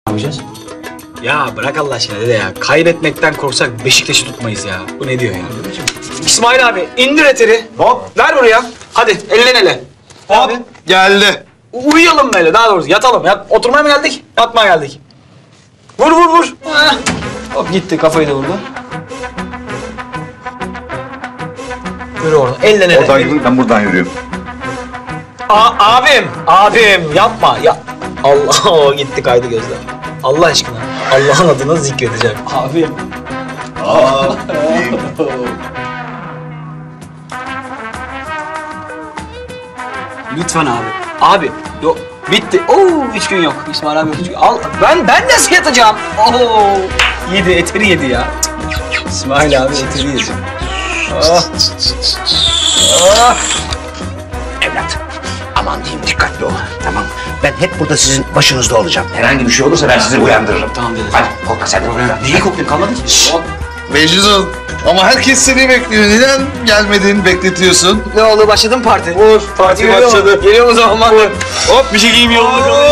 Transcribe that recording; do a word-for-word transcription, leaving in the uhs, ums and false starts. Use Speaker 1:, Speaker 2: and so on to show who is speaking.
Speaker 1: yapacağız?
Speaker 2: Ya bırak Allah aşkına dede ya. Kaybetmekten korksak Beşiktaş'ı tutmayız ya. Bu ne diyor ya? İsmail abi indir eteri.
Speaker 1: Hop.
Speaker 2: Ver buraya. Hadi elden ele.
Speaker 1: Hop. Geldi.
Speaker 2: U- Uyuyalım böyle daha doğrusu yatalım. Yat, oturmaya mı geldik? Yatmaya geldik. Vur vur vur. Heh. Hop gitti kafayı da vurdu. Yürü oradan elden ele.
Speaker 3: Oradan yürü, ben buradan yürüyorum.
Speaker 2: A- abim, abim yapma. Ya Allah o gitti kaydı gözler. Allah aşkına. Allah'ın adını zikredeceğim. Abim. Lütfen abi. Abi yok bitti. Oo üç gün yok. İsmail abi yok. Üç gün. Al ben ben nasıl yatacağım? Oo yedi eteri yedi ya. İsmail abi eteri yedi. Ah. Ah.
Speaker 4: Evlat, aman diyeyim dikkatli ol, tamam. Ben hep burada sizin başınızda olacağım. Herhangi bir şey olursa ben sizi uyandırırım.
Speaker 2: Tamam dedim.
Speaker 4: Hadi korkma sen de.
Speaker 2: Neyi koklayayım kalmadı ki? Hop.
Speaker 3: Mecnun, ama herkes seni bekliyor. Neden gelmedin, bekletiyorsun?
Speaker 2: Ne oldu başladı mı parti?
Speaker 3: Vur, parti
Speaker 2: Geliyor mu?
Speaker 3: başladı.
Speaker 2: Geliyor mu o zaman? Hop bir şey giyeyim yolunu.